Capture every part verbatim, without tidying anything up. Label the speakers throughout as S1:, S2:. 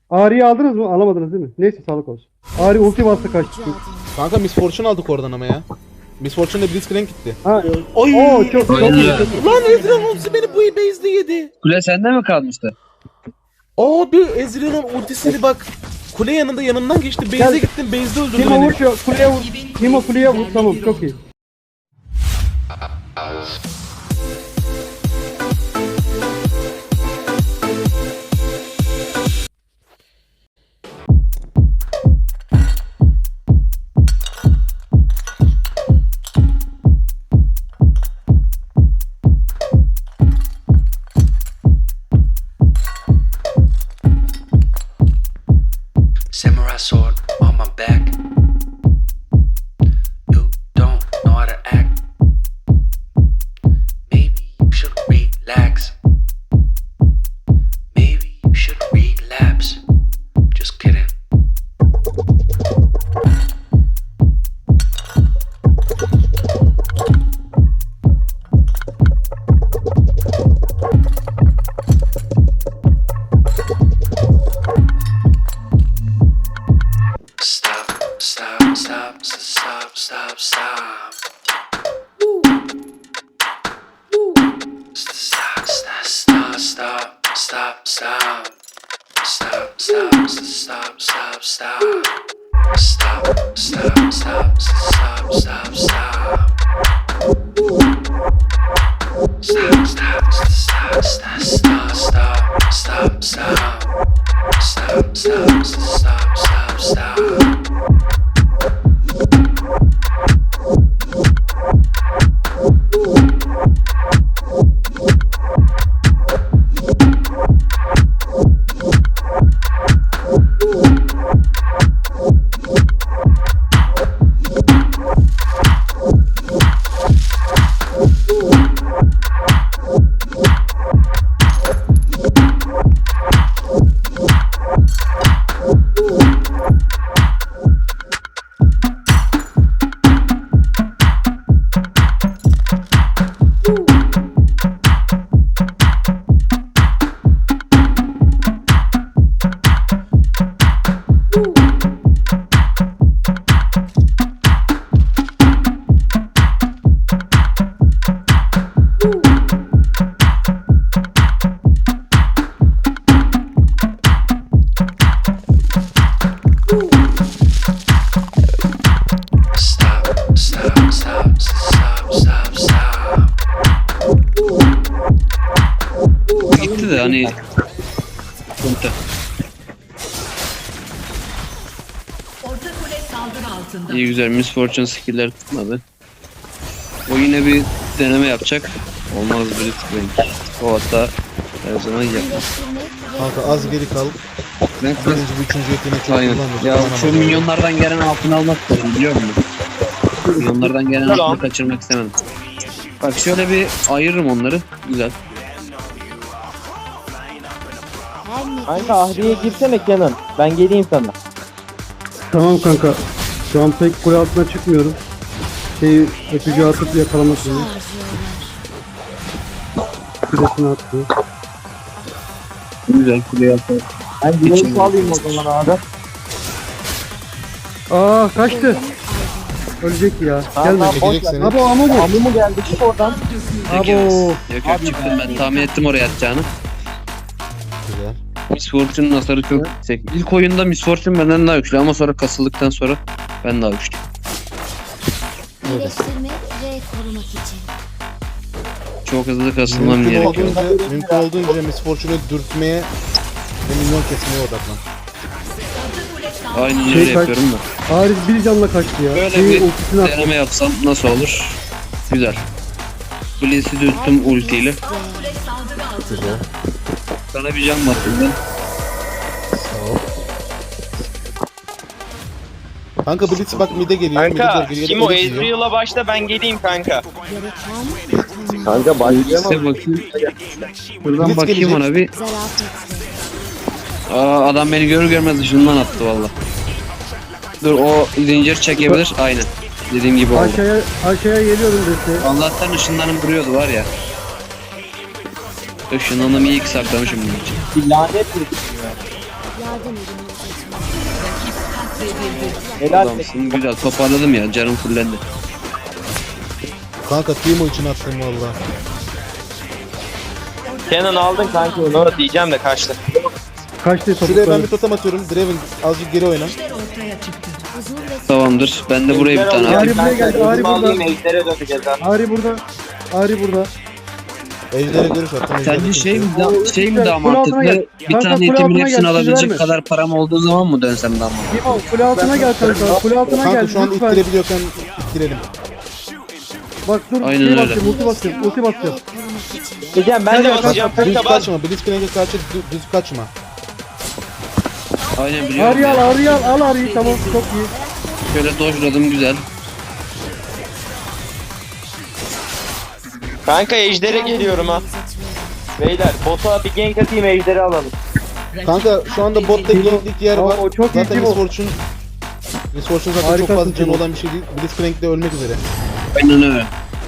S1: Ağrı'yı aldınız mı? Alamadınız değil mi? Neyse sağlık olsun. Ağrı ulti bastı kaçtı.
S2: Kanka Miss Fortune aldık oradan ama ya. Miss Fortune'da Blitzcrank gitti.
S1: Ha,
S2: Oy!
S1: Oo çok çok
S3: Aynen.
S1: iyi.
S2: Lan Ezreal ultisi beni bu base'de yedi.
S3: Kule sende mi kalmıştı?
S2: Abi Ezreal'ın ultisini bak. Kule yanında yanından geçti. Base'e
S1: Gel.
S2: gittim. Base'de öldürdü
S1: Timo
S2: beni.
S1: vur şu kuleye vur. Timo kuleye vur. Tamam çok iyi.
S4: Samurai sword on my back. You don't know how to act. Maybe you should relax. Maybe you should relapse. Just kidding. Stop, stop, stop, stop, stop, stop. Stop, stop, stop, stop, stop, stop. Stop, stop, stop, stop, stop. Stop, stop, stop, stop, stop, stop. Stop, stop, stop, stop, stop, stop, stop, stop. Stop, stop, stop, stop, stop. Stop, stop, stop, stop, stop, stop.
S3: Gitti de hani... Sıkıntı.
S5: Orta kule saldırı altında.
S3: İyi güzel, Miss Fortune skill'ler tutmadı. O yine bir deneme yapacak. Olmaz Blitzcrank. O hatta her zaman yapar.
S2: Kanka az geri kal.
S3: Ben
S2: Birinci bu üçüncü yeteneği çok
S3: Aynen.
S2: kullandı.
S3: Ya şu milyonlardan gelen altını almak istedim, biliyor musun? Milyonlardan gelen altını kaçırmak istemem. Bak şöyle bir ayırırım onları. Güzel.
S6: Kanka Ahri'ye girsene Kenan. Ben geleyim sana.
S1: Tamam kanka. Şu an pek kule altına çıkmıyorum. Şeyi öpücü atıp yakalamak için. Kulesini attı.
S3: Güzel kuleye atar.
S6: Ben Güneş'i alayım o zaman abi.
S1: Aa kaçtı. Ölecek ya.
S6: Tamam,
S1: Gelmedi.
S6: boş
S2: Çekecek
S6: ver.
S2: seni.
S1: Abo amu mu?
S6: Amu mu geldi? Çık oradan.
S3: Yok
S1: Abo.
S3: yok. Yok yok, çıktım ben. Tahmin ettim oraya atacağını.
S2: Güzel.
S3: Miss Fortune'un hasarı çok yüksek. İlk oyunda Miss Fortune benden daha güçlü ama sonra kasıldıktan sonra ben daha güçlü.
S7: İyileştirme ve korumak için.
S3: Çok hızlı kasılmam
S2: Mümkün
S3: gerekiyor.
S2: olduğunca, mümkün olduğunca Miss Fortune'u dürtmeye ve milyon kesmeye odaklan.
S3: Aynen
S1: Şey
S3: öyle
S1: kaç-
S3: yapıyorum da.
S1: Ağrı bir canla kaçtı ya.
S3: Böyle
S1: Şeyi
S3: bir
S1: ultisini attı.
S3: deneme yapsam nasıl olur? Güzel. Blitz'i dürttüm ultiyle.
S2: Güzel.
S3: Sana bir can baktım ben.
S2: Sağ ol. Kanka Blitz bak mid'e geliyor. mid'e
S8: Kanka,
S2: doğru geliyor,
S8: kim o?
S2: Blitz yiyor.
S8: Ezreal'a başla, ben geleyim kanka.
S7: Gereken
S6: Kanka başlayamam.
S3: Blitz'e bakayım. Şuradan
S2: Blitz
S3: bakayım
S2: gelecek.
S3: ona bir.
S7: zarafetle.
S3: Aa, adam beni görür görmez ışığından attı valla. Dur, o zincir çekebilir. Aynen. Dediğim gibi oldu.
S1: Aşağıya, aşağıya geliyorum desteğe.
S3: Allah'tan ışınlanım duruyordu var ya. Işınlanımı iyi ki saklamışım bunun için.
S6: Bir lanet bir
S7: Yardım edin hocacığım.
S6: Helal.
S3: Adamsın güzel toparladım ya canım fullendi.
S2: Kanka Timo için attım valla.
S8: Kenan aldın kanka onu diyeceğim de kaçtı.
S1: Kaçtı
S2: Şuraya ben
S1: topukları.
S2: bir totem atıyorum. Draven azıcık geri oyna.
S5: Ejder ortaya çıktı.
S7: Huzur ve
S3: Tamamdır. Ben de buraya bir tane
S1: Ari
S3: atayım.
S1: buraya geldi, Ari burada.
S8: Ejder'e döneceğiz ha.
S1: Ari burada. Ari burada.
S2: Ejder'e görüş attım. Ejder'e
S3: Sence şey mi,
S2: görüş.
S3: da, şey mi daha
S1: Kule altına
S3: mantıklı?
S1: gel.
S3: Bir
S1: Kanka,
S3: tane
S1: kule
S3: itemin
S1: altına
S3: hepsini
S1: gel,
S3: alabilecek
S1: verme.
S3: kadar param olduğu zaman mı dönsem daha mantıklı?
S1: Timo kule altına gel kanka. Kule altına
S2: Kanka
S1: gel.
S2: şu an
S1: Lütfen.
S2: ittirebiliyorken ittirelim.
S1: Bak dur.
S3: Aynen
S1: şey
S3: öyle.
S1: basacağım, ulti basacağım. Ulti basacağım.
S6: Diyeceğim ben
S8: Ben
S6: de
S8: de basacağım
S2: Düz
S8: kanka bas.
S2: kaçma. Blitzcrank'e karşı dü- düz kaçma.
S3: Aynen biliyorum
S1: Ari al,
S3: ya.
S1: Ari al, al Ari'yi. Tamam çok iyi.
S3: Şöyle dojladım güzel.
S8: Kanka Ejder'e geliyorum ha. Beyler bota bir gank atayım Ejder'i alalım.
S2: Kanka şu anda botta ganklik yer
S1: Tamam,
S2: var.
S1: o çok iyi
S2: Zaten
S1: Timo.
S2: Miss Fortune Miss Fortune zaten
S1: Harikasın
S2: çok fazla canı
S1: Timo.
S2: olan bir şey değil. Blitzcrank de ölmek üzere.
S3: Aynen öyle.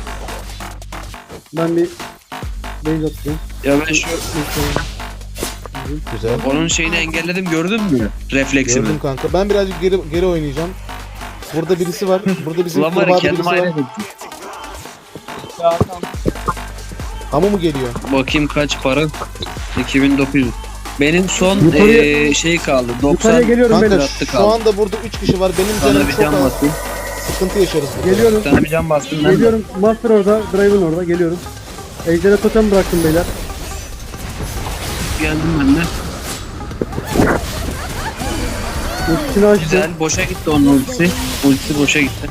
S1: Ben bir base atayım.
S3: Ya ben şu
S2: Güzel.
S3: onun şeyini engelledim gördün mü? Refleksimi.
S2: Gördüm kanka. Ben birazcık geri geri oynayacağım. Burada birisi var. Burada bizim
S3: Ulan var ya
S2: kurbağada
S3: kendim
S2: birisi
S3: ayrı
S2: var.
S3: ettim.
S2: Ama mu geliyor?
S3: Bakayım kaç para? iki bin dokuz yüz. Benim son
S1: Yukarıya-
S3: eee, şey kaldı.
S1: Yukarıya
S3: doksan
S1: geliyorum
S2: Kanka
S1: beyler.
S3: attı
S2: şu
S3: kaldı.
S2: anda burada üç kişi var. Benim
S3: Sana
S2: canım
S3: bir
S2: çok
S3: can
S2: az.
S3: bastım.
S2: Sıkıntı yaşarız. burada.
S1: Geliyorum.
S3: Sana bir can bastım ben de.
S1: Geliyorum. Master orada. Draven orada. Geliyorum. Ejder'e totem bıraktım beyler.
S3: Geldim ben de.
S1: Ultisini açtım.
S3: Güzel. Boşa gitti onun ultisi. Ultisi boşa gitti.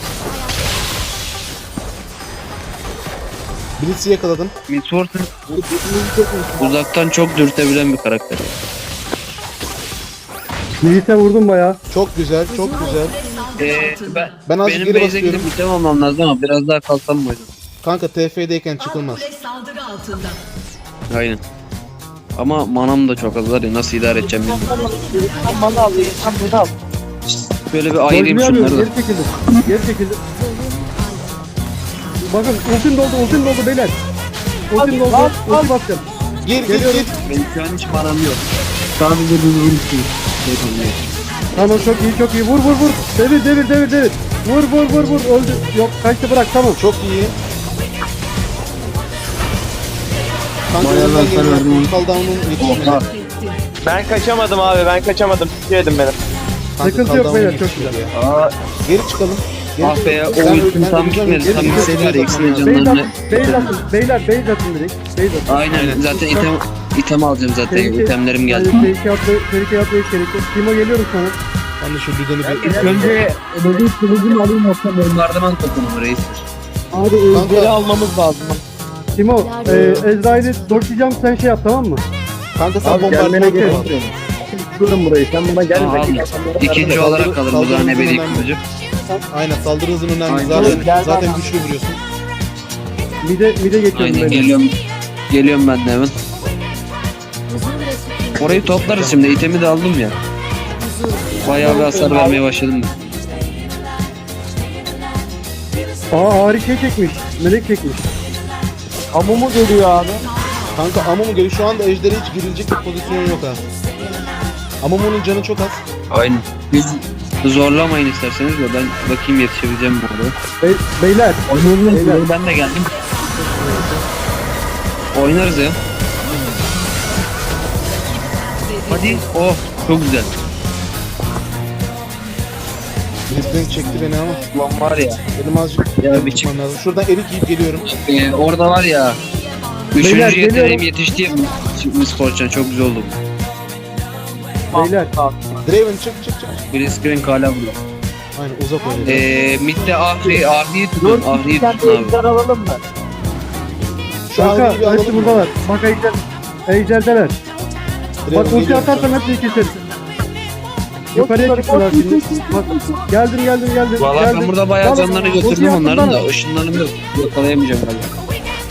S2: Blitz'i yakaladım.
S3: Miss Fortune uzaktan çok dürtebilen bir karakter.
S1: Milite vurdum bayağı.
S2: Çok güzel, çok güzel.
S3: Eee ben,
S2: Ben azıcık
S3: benim
S2: geri
S3: base'e gidip
S2: basıyorum.
S3: item almam lazım ama biraz daha kalsam mı hocam?
S2: Kanka T F'deyken çıkılmaz.
S5: Kule saldırı altında.
S3: Aynen. Ama manam da çok az var ya nasıl idare edeceğim bilmiyorum.
S6: Sen bana al. Sen bunu al.
S3: Böyle bir ayırayım
S1: Dojluyu
S3: şunları
S1: alıyorum.
S3: da.
S1: Geri çekildim. Geri çekildim. Bakın ultim doldu. Ultim doldu beyler. Ultim doldu. Ulti basacağım.
S2: Gir gir
S1: Geliyorum.
S2: gir.
S3: Benim şu an hiç manam yok. Sadece bir ulti.
S1: Tamam çok iyi çok iyi. Vur vur vur. Devir devir devir devir. Vur vur vur vur. Öldü. Yok kaçtı bırak tamam.
S2: Çok iyi. Kanka
S3: Bayağı
S2: önden
S3: ben sana
S2: geliyor.
S3: verdim.
S2: Kal down'un yetişmedi.
S8: Ben kaçamadım abi ben kaçamadım. Sikiyordum beni.
S2: Kanka
S1: Sıkıntı
S2: kal
S1: yok
S2: down'un
S1: beyler, çok
S2: yetişmedi
S1: güzel.
S2: ya.
S3: Aa,
S2: Geri çıkalım. Geri
S3: ah be ya o
S2: Ben-
S3: ultim
S2: ben
S3: tam
S2: öleceğim.
S3: gitmedi.
S2: Geri
S3: Tam
S2: çıkalım.
S3: gitseydi var ya ikisinin
S1: Base
S3: canlarını.
S1: atın. Base atın. Beyler base atın direkt. Base atın.
S3: Aynen zaten item, item alacağım zaten.
S1: Tehlike-
S3: İtemlerim geldi.
S1: Yani Tehlike atlayıp, tehlike atlayıp gerekli. Timo geliyorum sana.
S2: Ben de şu düzeni bir...
S3: Önce ödül kılıcını alayım yoksa bombardıman topumu reistir.
S6: Abi
S2: Kanka-
S6: Ejder'i almamız lazım.
S1: Timo, e, Ezrail'i doşlayacağım sen şey yap tamam mı?
S2: Kanka sen
S6: Abi gelmene
S2: bombardıman
S6: gerek
S2: kur.
S6: yok. Durun burayı. Sen buna gel.
S3: Aa,
S6: Bekle.
S3: İkinci
S2: Saldırı-
S3: olarak kalır bu
S2: saldırı
S3: da ne
S2: hızı
S3: bileyim
S2: önemli.
S3: kılıcı.
S2: Aynen saldırı hızın önemli.
S3: Aynen.
S2: Zaten,
S6: Gel
S2: zaten
S6: bana.
S2: güçlü vuruyorsun.
S1: Mide, mide geçiyorum
S3: Aynen
S1: ben.
S3: geliyorum. Geliyorum ben de hemen.
S7: Huzur ve sükunet.
S3: Orayı toplarız şimdi. İtemi de aldım ya.
S7: Huzur.
S3: Bayağı bir hasar vermeye başladım.
S1: Aa Ari şey çekmiş. Melek çekmiş.
S6: Amumu geliyor abi.
S2: Kanka Amumu geliyor. Şu anda Ejder'e hiç girilecek bir pozisyon yok ha. Amumu'nun canı çok az.
S3: Aynen. Biz zorlamayın isterseniz de ben bakayım yetişebileceğim bu arada.
S1: Bey, beyler. Beyler.
S3: Ben de geldim. Oynarız ya. Hadi. Oh çok güzel.
S2: Blitzcrank çekti beni ama.
S3: Ulan var ya.
S2: Benim azıcık
S3: Ya bir çık.
S2: çıkmam lazım. Şuradan erik yiyip geliyorum.
S3: Ee, orada var ya.
S1: Beyler,
S3: Üçüncü
S1: geliyorum.
S3: yeteneğim yetişti ya. Miss Fortune çok güzel oldu.
S1: Beyler.
S2: Draven çık çık çık.
S3: Blitzcrank hala burada.
S2: Aynen uzak oynuyor.
S3: Ee, midde Ahri, Ahri'yi tutun. Ahri'yi
S6: Sen
S3: tutun abi.
S6: Ejder alalım mı?
S2: Şu an
S1: Kanka
S2: bir alalım
S1: hepsi
S2: mı?
S1: buradalar. Bak Ejder. Ejder'deler.
S2: Draven
S1: Bak ulti
S2: geliyor.
S1: atarsam hepsini keseriz. Yukarıya çıktılar şimdi. Bak geldim geldim geldim.
S3: Valla
S1: geldim.
S3: ben burada bayağı
S1: Dalın,
S3: canlarını
S1: ulti
S3: götürdüm
S1: yaptım
S3: onların
S1: bana.
S3: da. Işınlarım yok. Yakalayamayacağım galiba.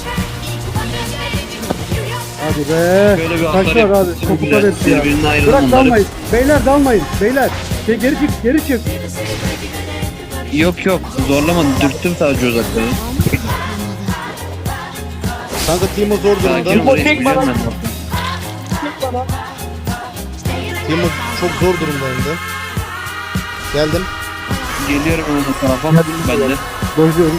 S1: Hadi be.
S3: Şöyle bir hasar
S1: Kaçlar abi.
S3: yaptım.
S1: Topuklar
S3: Güzel.
S1: hepsi ya.
S3: Birbirinden ayırdım
S1: Bırak
S3: onları.
S1: dalmayın. Beyler dalmayın. Beyler. Şey, geri çık geri çık.
S3: Yok yok zorlamadım. Dürttüm sadece uzaktan.
S2: Kanka Timo zor
S3: Sakin
S2: durumda.
S3: ol reis.
S6: çek
S3: Biliyorum
S6: bana.
S3: ben.
S2: Timo çok zor durumda hem de. Geldim.
S3: Geliyorum o tarafa. Ben de.
S1: Dojluyorum.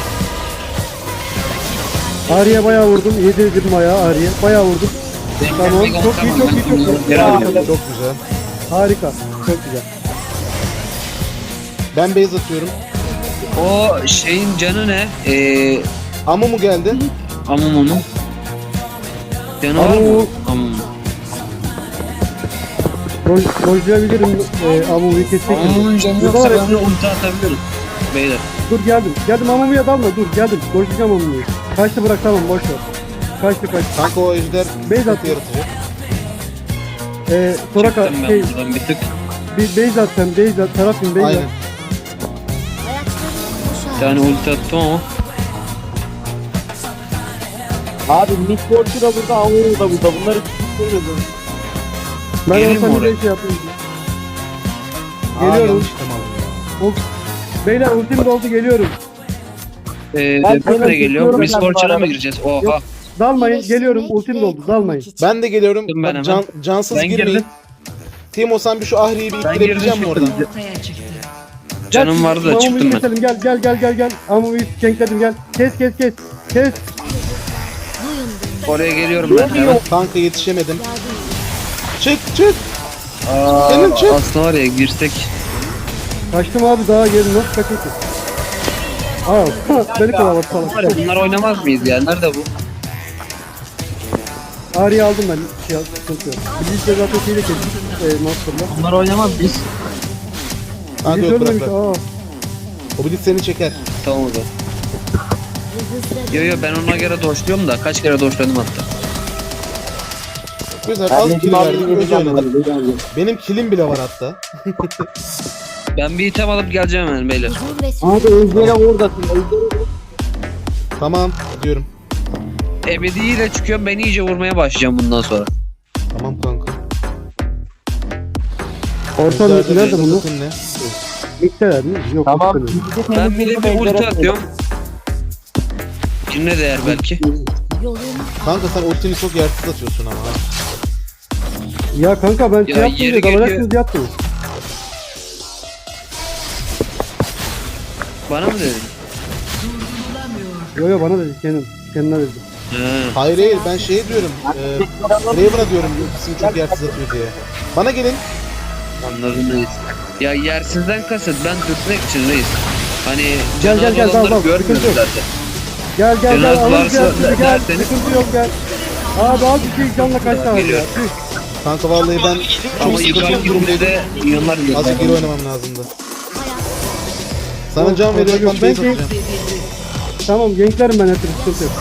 S1: Ağrı'ya bayağı vurdum. Yedirdim bayağı Ağrı'ya. Bayağı vurdum. Tamam. Çok iyi, çok iyi, çok iyi.
S3: Geri alıyorum.
S2: Çok güzel.
S1: Harika. Çok güzel.
S2: Ben base atıyorum.
S3: O şeyin canı ne? Ee,
S2: Amumu geldi.
S3: Amumu'nun. Canı var mı?
S1: Amumu.
S3: Amumu.
S1: Doj, dojlayabilirim. E, Amumu'yu kesecek.
S3: Amumu'nun canı yoksa ben de ulti atabilirim. Beyler.
S1: Dur geldim. Geldim Amumu'ya dalma. Dur geldim. Dojlayacağım Amumu'yu. Kaçtı bırak tamam boş ver. Kaçtı kaçtı.
S2: Kanka o ejder
S1: Base
S2: sıkıntı
S1: atıyor.
S2: yaratacak.
S1: E, Soraka
S3: Çıktım ben
S1: şey,
S3: buradan bir tık.
S1: bir base at sen. Base at. Tarafın base
S2: Aynen.
S1: at.
S3: Bir tane ulti attım ama.
S6: Abi Miss Fortune da burada, Amumu da burada. Bunları tutuyoruz.
S1: Ben
S3: Geleyim mi
S1: olsam
S3: oraya?
S1: bir şey yapayım.
S2: Aa,
S1: Geliyorum.
S2: yanlış tamam.
S1: O- Beyler ultim doldu geliyorum.
S3: Ee,
S6: Ben
S3: Defne
S6: hemen
S3: geliyor.
S6: tutuyorum
S3: Miss
S6: ben bu
S3: Fortune'a mı
S6: arada.
S3: gireceğiz? Oha.
S1: Yok. Dalmayın geliyorum ultim doldu dalmayın.
S2: Ben de geliyorum.
S3: Gittim ben
S2: Bak,
S3: hemen.
S2: can, cansız
S3: Ben
S2: girmeyin.
S3: girdim.
S2: Timo sen bir şu Ahri'yi bir
S3: Ben
S2: ittirebilecek
S3: girdim,
S2: misin oradan?
S5: Ortaya çıktı.
S3: Canım vardı da
S1: Amumu
S3: çıktım ben.
S1: keselim gel gel gel gel gel. Amumu kenkledim gel. Kes kes kes. Kes.
S3: Oraya geliyorum ben hemen.
S2: Kanka yetişemedim. Çık çık.
S3: Aa,
S2: Senin çık.
S3: aslında var ya girsek.
S1: Kaçtım abi daha gelin nasıl kaçayım ki? Aa beni kovaladı falan.
S3: Var ya bunlar oynamaz mıyız ya? Nerede bu?
S1: Ağrı'yı aldım ben. Şey, sıkıntı yok. Bilinçle zaten şeyle kestik. E, Master'la.
S3: Bunlar oynamaz biz.
S2: Kanka
S1: Bilinç
S2: yok bırak
S1: ölmemiş.
S2: bırak.
S1: Aa.
S2: O bilit seni çeker.
S3: Tamam o zaman. Yo yo ben ona göre doşluyorum da kaç kere doşladım hatta.
S2: Güzel
S6: Ben
S2: az
S6: Necim
S2: kill
S6: abiyi
S2: verdim. Öz
S6: yiyeceğim
S2: oynadım.
S6: böyle.
S2: Benim killim bile var hatta.
S3: Ben bir item alıp geleceğim hemen beyler.
S7: Huzur ve
S6: Abi Özgür'e oradasın.
S2: Tamam diyorum.
S3: Ebediyle çıkıyorum ben iyice vurmaya başlayacağım bundan sonra.
S2: Tamam kanka.
S1: Orta
S2: Ejder'de
S1: nerede bunu?
S2: bakın ne?
S1: Mikteler mi? Yok.
S6: Tamam.
S1: Mikteler.
S3: Ben bir de bir ulti atıyorum. Birine değer belki.
S7: yolun
S2: Kanka sen ultini çok yersiz atıyorsun ama.
S1: Ya kanka ben
S3: Ya
S1: şey yaptım
S3: yeri
S1: diye
S3: geliyor.
S1: dalacaksınız diye attım.
S3: Bana mı dedin?
S1: Yo yo bana dedi kendim. Kendine dedi.
S3: He.
S2: Hayır hayır ben şey diyorum. E, Raven'a diyorum ultisini çok yersiz atıyor diye. Bana gelin.
S3: Anladım reis. Ya yersizden kasıt ben dürtmek için reis. Hani
S1: Gel, gel,
S3: cenaz
S1: gel, dal,
S3: olanları
S1: dal,
S3: görmüyoruz
S1: sıkıntı yok.
S3: zaten.
S1: Gel gel gel
S3: Cenaz
S1: alın
S3: varsa
S1: gel sizi gel.
S3: derseniz-
S1: Sıkıntı yok gel. Abi al bir şey canla kaç tane
S3: Geliyor.
S1: ya. Tüh.
S2: Kanka vallahi ben
S3: Ama
S2: çok
S3: yukarı
S2: sıkıntı
S3: gidince
S2: durumdaydım.
S3: de milyonlar geliyor.
S2: Azıcık geri oynamam lazımdı. Sana can
S1: Yok,
S2: veriyorum
S1: yok,
S2: ben
S1: ben
S2: base
S1: şey-
S2: atacağım.
S1: Tamam genklerim ben hepiniz sıkıntı yok.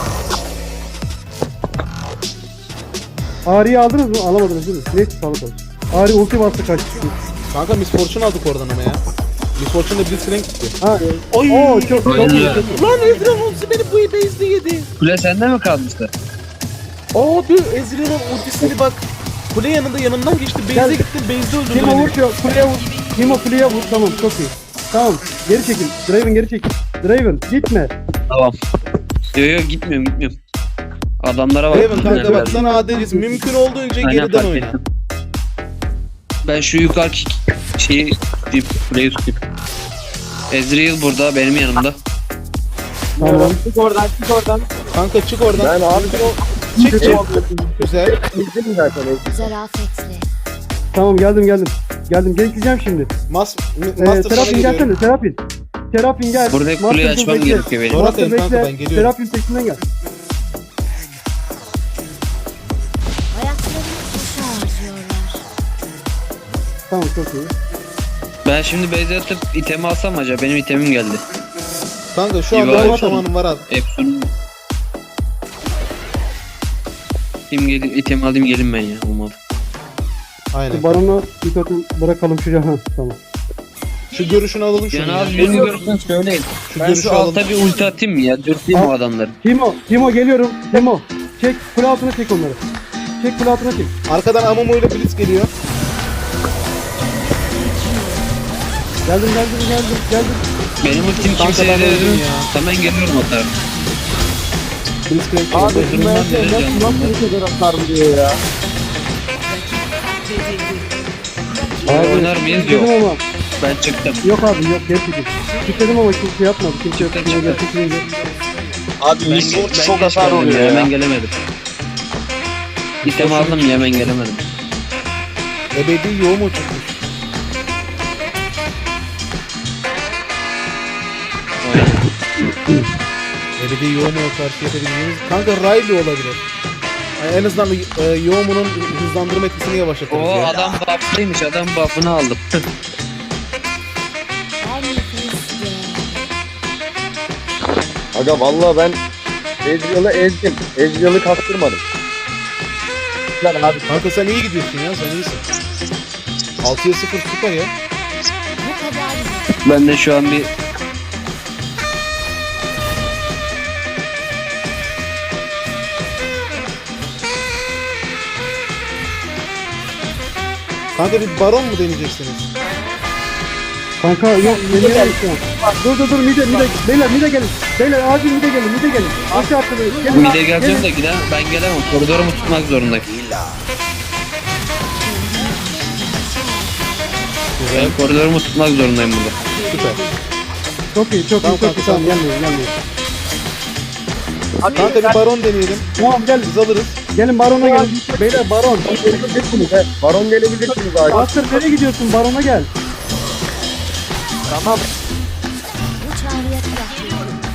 S1: Ağrı'yı aldınız mı? Alamadınız değil mi? Neyse sağlık olsun. Ağrı ulti bastı kaçtı.
S2: Kanka Miss Fortune aldık oradan ama ya. Miss Fortune'da Blitzcrank gitti.
S1: Ha.
S2: Oy!
S1: Oo çok çok
S3: Aynen.
S1: iyi.
S2: Lan Ezreal ultisi beni bu base'de yedi.
S3: Kule sende mi kalmıştı?
S2: Abi Ezreal'ın ultisini bak. Kule yanında yanından geçti. Base'e
S1: Gel.
S2: gitti. Base'de öldürdü
S1: Timo vur
S2: beni.
S1: şu kuleye vur. Timo kuleye vur. Tamam çok iyi. Tamam geri çekil. Draven geri çekil. Draven gitme.
S3: Tamam. Yo yo gitmiyorum gitmiyorum. Adamlara bak.
S2: Raven kanka
S3: Neler
S2: bak
S3: verdi.
S2: sana adeliz. Mümkün olduğunca
S3: Aynen,
S2: geriden
S3: fark
S2: oyna.
S3: ettim. Ben şu yukarıki şeyi tutayım. Kuleyi tutayım. Ezreal burada benim yanımda.
S1: Tamam.
S6: Çık oradan, çık oradan.
S2: Kanka çık oradan.
S6: Ben abi
S2: Mümkün ol- Çık çık. Güzel.
S6: izledim zaten.
S7: zarafetle.
S1: Tamam geldim geldim. Geldim genkleyeceğim şimdi.
S2: Mas
S1: Ee,
S2: Master sana
S1: Serapin
S2: geliyorum.
S1: gelsene Serapin. Serapin gel.
S3: Buradaki kuleyi
S1: Master dur,
S3: açmam
S1: bekle.
S3: gerekiyor benim.
S2: Sonra
S1: Master
S2: atayım kanka,
S1: bekle.
S2: ben geliyorum.
S1: Serapin peşinden gel.
S7: Ayaklarını boşa harcıyorlar.
S1: Tamam çok iyi.
S3: Ben şimdi base atıp itemi alsam acaba benim itemim geldi.
S2: Kanka şu
S3: İyi
S2: anda
S3: bari.
S2: boş zamanım var abi.
S3: Epson. Kim gelir itemi alayım gelin ben ya umarım.
S2: Aynen.
S1: Barona bir katı bırakalım şuraya. Ha tamam.
S2: Şu görüşünü alalım şunu
S3: Yani
S2: ya.
S3: az birini görürsen söyleyin.
S2: Şu
S3: Ben
S2: görüşü
S3: şu
S2: alalım.
S3: alta bir ulti atayım mı ya? Dürteyim o
S1: Al.
S3: adamları.
S1: Timo, Timo geliyorum. Timo. Çek kule altına çek onları. Çek kule altına çek.
S2: Arkadan Amumu ile Blitz geliyor.
S1: Geldim geldim geldim geldim.
S3: Benim ultim
S2: Kanka
S3: kimseye
S2: ben
S3: de
S2: öldüm ya.
S3: hemen geliyorum o tarafa.
S2: Blitzcrank
S6: Abi
S2: geliyor.
S6: şu
S3: Öldürmem
S6: mühendisler
S3: dedi
S6: nasıl
S3: canım.
S6: nasıl bu kadar atarım diyor ya.
S5: Bezildi.
S1: Abi,
S3: oynar mıyız?
S1: istedim
S3: Yok.
S1: ama.
S3: Ben çıktım.
S1: Yok abi yok gerçekten. İstedim ama kimse yapmadı. Kimse
S3: Çıktı,
S1: yapmadı.
S3: çıktı.
S1: Kimse
S8: Abi
S3: Ben,
S8: Miss Fortune
S3: ben
S8: çok
S3: geç
S8: hasar
S3: geldim
S8: oluyor
S3: ya.
S8: ya.
S3: Hemen gelemedim. İtem aldım ya hemen gelemedim.
S2: Ebedi yoğun mu çıkmış? Ebedi yoğun mu karşı yapabileceğimiz? Kanka Riley olabilir. Yani en azından e, Yoğumu'nun hızlandırma etkisini yavaşlatırız
S3: O
S2: ya.
S3: adam buff'lıymış. Adam buff'ını aldım.
S7: En nefisli.
S6: Aga vallahi ben Ezreal'ı ezdim. Ezreal'ı kastırmadım. Lan abi
S2: Kanka sen iyi gidiyorsun ya, sen iyisin. altıya sıfır süper ya.
S7: Bu kadar
S3: Ben de şu an bir
S2: Kanka bir baron mu deneyeceksiniz?
S1: Kanka yok yemeğe şu an. Dur dur dur mide mide. Beyler mide gelin. Beyler acil mide gelin mide gelin. Aşağı atlayın. Gelin.
S3: mide geleceğim de gidemem. Ben gelemem. Koridorumu tutmak zorundayım.
S2: Güzel.
S3: Ben koridorumu tutmak zorundayım burada.
S2: Süper.
S1: Çok iyi çok
S2: Tamam
S1: iyi çok
S2: kanka,
S1: iyi. Tamam
S2: tamam.
S1: gelmeyin gelmeyin.
S2: Kanka bir baron deneyelim.
S1: Tamam gel.
S2: Biz alırız.
S1: Gelin barona gelin. Beyler baron.
S6: Baron gelebilirsiniz abi.
S1: Master nereye gidiyorsun? Barona gel.
S6: Tamam.
S7: bu çağrıya kulak verin.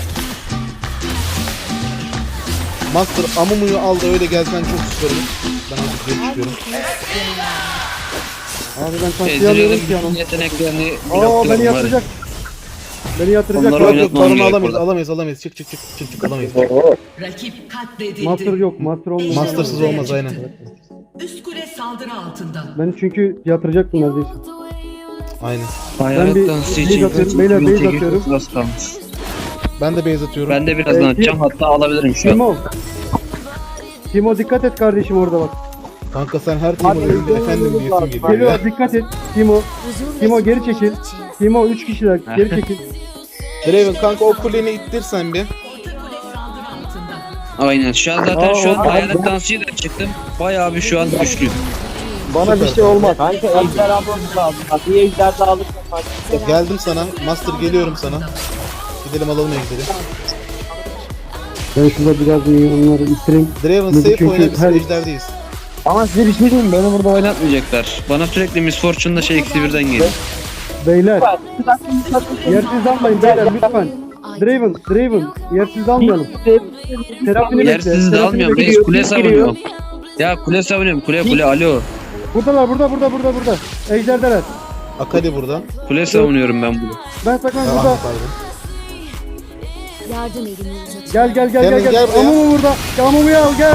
S2: Master Amumu'yu al da öyle gelsen çok süper olur. Ben azıcık geri
S7: En
S2: çıkıyorum.
S7: nefisli.
S1: Abi ben taksiye alıyorum ki
S3: Ezreal'ın
S1: yanım.
S3: yeteneklerini
S1: Aa beni
S3: blokluyorum var ya.
S1: yatıracak. Beni yatıracak.
S3: Onları
S2: Yok
S1: Yok,
S2: yok
S3: oynatmam
S2: baronu
S3: gerek
S2: alamayız,
S3: orada.
S2: alamayız, alamayız. Çık çık çık çık çık alamayız.
S5: Rakip katledildi.
S1: Master yok. Master olmaz.
S2: Mastersız olmaz aynen.
S5: Üst kule saldırı altında.
S1: Ben çünkü yatıracaktım neredeyse.
S2: Aynen.
S3: Hayalet
S1: bir
S3: dansı
S1: base
S3: için
S1: atıyorum, beyler, base atıyorum.
S3: az kalmış.
S2: Ben de base atıyorum.
S3: Ben de birazdan
S1: Ee,
S3: atacağım, hatta alabilirim şu an.
S1: Timo. Timo dikkat et kardeşim orada bak.
S2: Kanka sen her team'in önünde efendim diyesin geliyor ya.
S1: Geliyor dikkat et. Timo.
S7: Huzur ve
S1: Timo geri
S7: mutluluk
S1: çekil.
S7: için.
S1: Timo üç kişiler geri çekil.
S2: Draven kanka o kuleni ittirsen bir.
S5: Orta kule saldırı altında.
S3: Aynen, şu an zaten
S1: Aa,
S3: şu an
S1: abi,
S3: hayalet
S1: ben-
S3: dansıyla çıktım. Bayağı bir şu an güçlüyüm.
S6: Bana bir şey olmaz. Kanka ejder almamız lazım. Bak bir ejder daha alırsak bak.
S2: Geldim sana. Master geliyorum sana. Gidelim alalım ejderi.
S1: Ben şurada biraz milyonları ittireyim.
S2: Draven
S1: Çünkü
S2: safe oyna biz
S1: her-
S2: ejderdeyiz.
S3: Ama size bir şey diyeyim, beni burada oynatmayacaklar. Bana sürekli Miss Fortune'da şey eksi birden geliyor.
S1: Beyler. Yersiz almayın beyler lütfen. Draven, Draven. Yersiz almayalım. Terapini bekle.
S3: Yersiz de
S1: terapini
S3: almıyorum
S1: bekle.
S3: reis, kule savunuyorum. Ya kule savunuyorum, kule kule alo.
S1: Buradalar burada burada burada burada. Ejderdeler.
S2: Akali burada.
S3: Kule savunuyorum ben burada.
S1: Ben saklan
S2: Ah,
S1: burada.
S2: pardon.
S7: Yardım elini uzatıyorum.
S1: Gel gel gel
S2: Gelin,
S1: gel.
S2: gel
S1: gel.
S2: buraya.
S1: Amumu burada. Amumu al gel.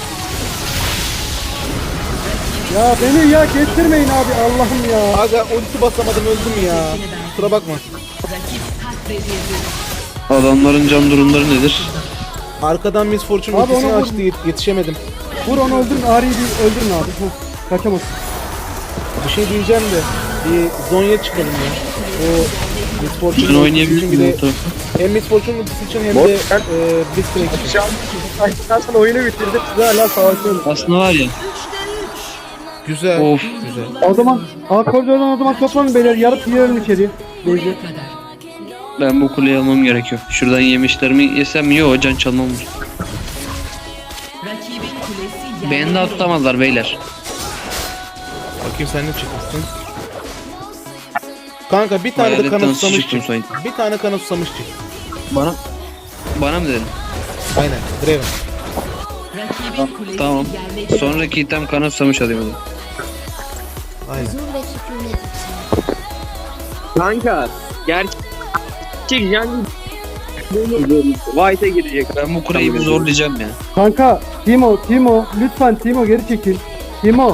S1: Ya beni ya kestirmeyin abi Allah'ım ya.
S2: Aga ulti basamadım öldüm ya. Kusura bakma.
S5: Rakip katledildi.
S3: Adamların can durumları nedir?
S2: Arkadan Miss Fortune
S1: Abi
S2: ultisini
S1: onu vur.
S2: açtı yet- yetişemedim.
S1: Vur onu öldürün. Ari'yi bir öldürün abi. Heh, kaçamaz.
S2: Bir şey diyeceğim de bir Zonya çıkalım ya. O Miss
S3: Sen
S2: Fortune ultisi
S3: oynayabilir
S2: için bir
S3: miyim?
S2: de hem Miss Fortune ultisi için hem de e, Blitzcrank için.
S1: Zaten oyunu bitirdik. Size hala savaşıyoruz.
S3: Aslında var ya.
S2: Güzel.
S3: Of.
S2: Güzel.
S1: O zaman A koridordan o zaman toplanın beyler. Yarıp girelim içeri. Beyzi.
S5: Buraya kadar.
S3: Ben bu kuleyi almam gerekiyor. Şuradan yemişlerimi yesem iyi, o can çalmam.
S5: Rakibin kulesi
S3: Beni daha tutamazlar beyler.
S2: Bakayım sen ne çıkmışsın. Kanka bir tane de
S3: Hayalet
S2: kanı
S3: dansı
S2: susamış
S3: çıktım
S2: çık.
S3: sanki.
S2: Bir tane kanı susamış çık.
S3: Bana bana mı dedin?
S2: Aynen. Draven.
S5: Rakibin kulesi
S3: Tamam.
S5: yerle bir.
S3: Sonraki item kanat samış alayım hadi.
S2: Aynen.
S7: Huzur ve sükunet için.
S8: Kanka gerçek yani White'a girecek.
S3: Ben bu kuleyi bir zorlayacağım ya.
S1: Kanka Timo, Timo lütfen Timo geri çekil. Timo.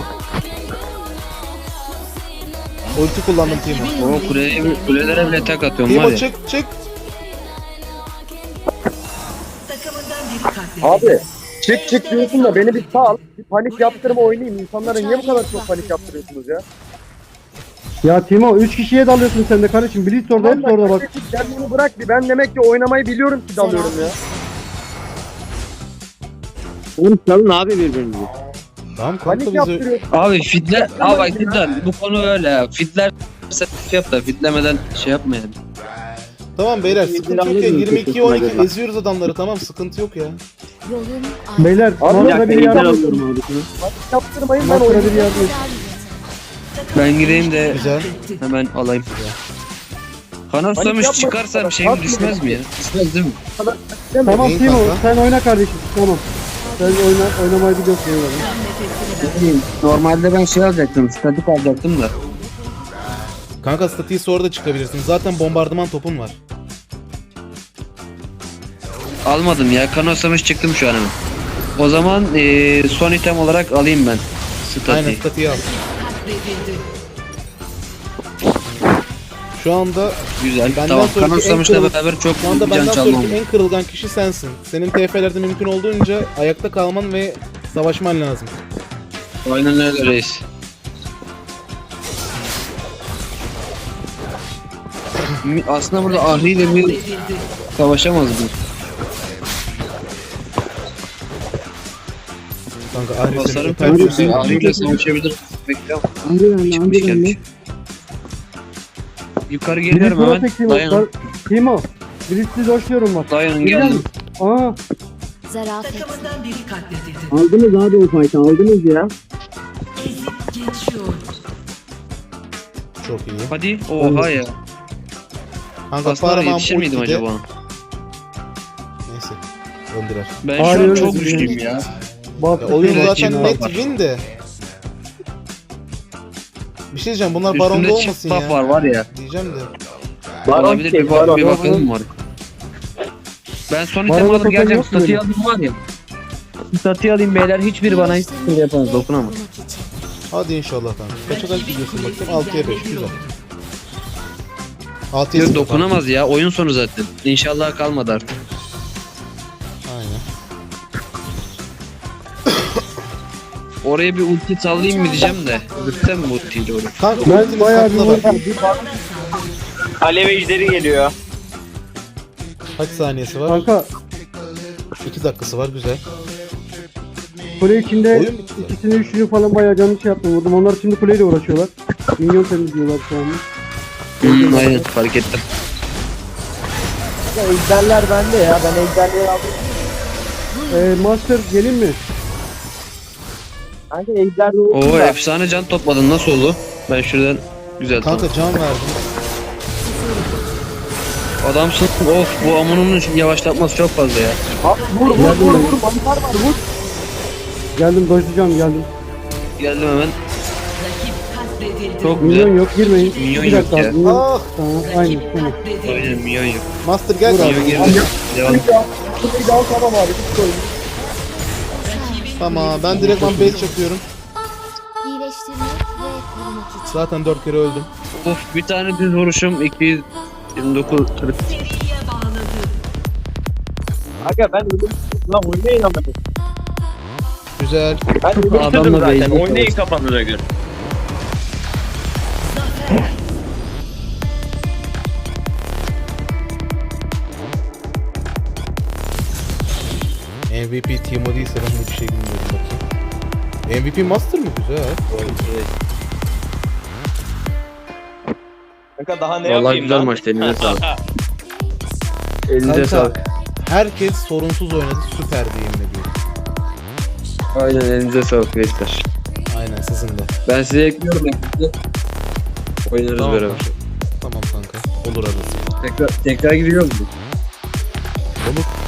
S2: Ulti kullandım Timo.
S3: O kuleye, kulelere bile tek atıyorum var
S2: Timo
S3: ya.
S2: çık çık.
S5: Takımından biri katledildi.
S6: Abi çık çık diyorsun da beni bir sal. Bir panik yaptırma oynayayım. İnsanlara niye bu kadar çok panik yaptırıyorsunuz ya?
S1: Ya Timo üç kişiye dalıyorsun sen de kardeşim. Blitz orada hepsi orada bak.
S6: Sen bunu bırak bir. Ben demek ki oynamayı biliyorum ki dalıyorum ya.
S8: Oğlum salın abi birbirinizi.
S2: Tamam kanka
S6: Panik
S2: bizi...
S6: yaptırıyor.
S3: Abi fitler, abi bak cidden bu konu öyle ya. Fitler set yap da fitlemeden şey yapmayalım.
S2: Tamam beyler sıkıntı yok ya. yirmi iki on iki eziyoruz adamları, tamam sıkıntı yok ya.
S7: Yolun
S1: Beyler
S6: Abi,
S1: Master'a bir yardım edin.
S6: Panik yaptırmayın ben
S1: Master'a bir
S6: oynayayım.
S1: yardım edin.
S3: Ben gireyim de
S2: Güzel.
S3: hemen alayım. Kanat
S6: Panik
S3: susamış
S6: yapma.
S3: çıkarsam şeyim düşmez mi ya? Düşmez değil mi?
S1: Tamam
S2: İyi
S1: Timo
S2: kanka.
S1: sen oyna kardeşim. Tamam. Sen oyna, oynamayı biliyorsun. eyvallah.
S5: Nefesini ver.
S3: Normalde ben şey alacaktım, statik alacaktım da.
S2: Kanka statiği sonra da çıkabilirsin. Zaten bombardıman topun var.
S3: Almadım ya, kanat susamış çıktım şu an hemen. O zaman eee, son item olarak alayım ben
S2: Aynen
S3: statiği.
S2: statiği al.
S5: Katledildi.
S2: Şu anda
S3: Güzel,
S2: Benden
S3: tamam.
S2: sonraki
S3: Kanat
S2: en
S3: susamışla
S2: kırıl-
S3: beraber çok
S2: şu anda
S3: can
S2: benden
S3: çalmam.
S2: sonraki en kırılgan kişi sensin. Senin T F'lerde mümkün olduğunca ayakta kalman ve savaşman lazım.
S3: Aynen öyle reis. Mi- Aslında burada Ahri ile bir
S5: Katledildi.
S3: savaşamaz mı?
S2: Kanka Ahri seni
S3: Basarım
S2: öper
S3: tabii.
S2: diyorsun.
S3: Ahri ile savaşabilir. Bekliyorum. Çıkmış gelmiş. Yukarı
S1: Birisi
S3: geliyorum
S1: buna
S3: hemen.
S1: tek Timo.
S3: Dayanın.
S1: Timo. Birisi doşluyorum bak.
S3: Dayanın
S1: Gel.
S3: geldim.
S1: Aa.
S7: zarafet.
S5: Takımından biri katledildi.
S6: Aldınız abi o fight'ı aldınız ya.
S5: Ezip geçiyor.
S2: Çok iyi.
S3: Hadi. Oha ya.
S2: Kanka
S3: Aslında
S2: Paramount
S3: yetişir miydim
S2: ultide-
S3: acaba?
S2: Neyse. Öldürer.
S3: Ben şu
S1: Ağrı
S3: an
S1: öyle
S3: çok
S1: bir-
S3: güçlüyüm ya.
S1: Bak.
S2: Ya, oyun
S3: Evet,
S2: zaten
S3: yine
S2: net
S3: var.
S2: win de. Bir şey diyeceğim, bunlar baronda
S3: Üstünde
S2: olmasın
S3: çift buff
S2: ya.
S3: var var ya.
S2: Diyeceğim de.
S3: Olabilir, bir, bak, bir bakalım var. Ben son item
S1: Baron'a
S3: alıp
S1: token
S3: geleceğim.
S1: yok mu
S3: Statiği
S1: öyle?
S3: alayım var ya. Statiği alayım beyler. Hiçbiri bana hiç şey yapamaz. Dokunamaz.
S2: Hadi inşallah kanka. Kaça kaç gidiyorsun bakayım? altıya beş güzel. altıya
S3: Yok
S2: sıfır
S3: dokunamaz ya. Oyun sonu zaten. İnşallah kalmadı artık.
S2: kanka. Aynen.
S3: Oraya bir ulti sallayayım mı diyeceğim de. Lütfen mi ultiyle oraya?
S2: Kanka
S1: Ben
S2: ultini
S1: bayağı bir
S2: sakla bak.
S1: vurdum.
S8: Alev ejderi geliyor.
S2: Kaç saniyesi var?
S1: Kanka
S2: iki dakikası var, güzel.
S1: kule içinde
S2: Oyun bitti.
S1: ikisini üçünü falan bayağı canlı şey yaptım vurdum. Onlar şimdi kuleyle uğraşıyorlar. Minyon temizliyorlar şu anda.
S3: Hmm, aynen fark ettim.
S6: Ya ejderler bende ya. Ben ejderleri aldım.
S1: Ee, Master gelin mi?
S6: Kanka ejder de olsun
S3: Oo
S6: da.
S3: efsane can topladın. Nasıl oldu? Ben şuradan güzel
S2: Kanka can verdim.
S3: Adamsın. Of bu amunun yavaşlatması çok fazla ya.
S6: Abi vur vur vur vur. Mantar var vur.
S1: Geldim doşlayacağım geldim.
S3: Geldim hemen.
S5: Rakip katledildi.
S3: Çok
S1: Minyon
S3: güzel.
S1: yok girmeyin.
S3: Minyon
S1: Bir
S3: yok
S1: dakika.
S3: ya.
S1: Minyon.
S2: Ah!
S1: Tamam aynen
S5: Rakip
S1: tamam.
S5: katledildi.
S3: Aynen milyon yok.
S2: Master gel
S1: Vur
S2: kanka.
S1: abi.
S3: Milyon girdi. Devam.
S6: Kuleyi de al tamam abi. Bitti oyun.
S5: Rakibin
S2: Tamam ben
S5: kulesi
S2: direktman base çakıyorum.
S7: İyileştirmek ve korumak için.
S2: Zaten dört kere öldüm.
S3: Of bir tane düz vuruşum iki yüz yirmi dokuz kırk.
S5: seriye bağladı.
S8: Aga ben ölüm. Lan oynayın ama.
S2: Güzel.
S8: Ben ölüm
S3: Adamla
S8: dedim zaten.
S3: beyni
S8: Oynayın
S3: kaldı.
S8: kafanıza göre.
S2: M V P Timo değilse ben hiçbir şey bilmiyorum bakayım. M V P Master mı? Güzel.
S8: Aga daha ne
S3: Vallahi
S8: yapayım
S3: güzel
S8: lan?
S3: maçtı. Elinize sağlık. Elinize
S2: Kanka,
S3: sağlık.
S2: herkes sorunsuz oynadı. Süperdi yemin ediyorum.
S3: Aynen elinize sağlık gençler.
S2: Aynen sizin de.
S3: Ben size ekliyorum. ekliyorum. Oynarız
S2: Tamam.
S3: beraber.
S2: Tamam kanka. Olur arası.
S3: Tekrar, tekrar giriyor mu?
S2: Olur.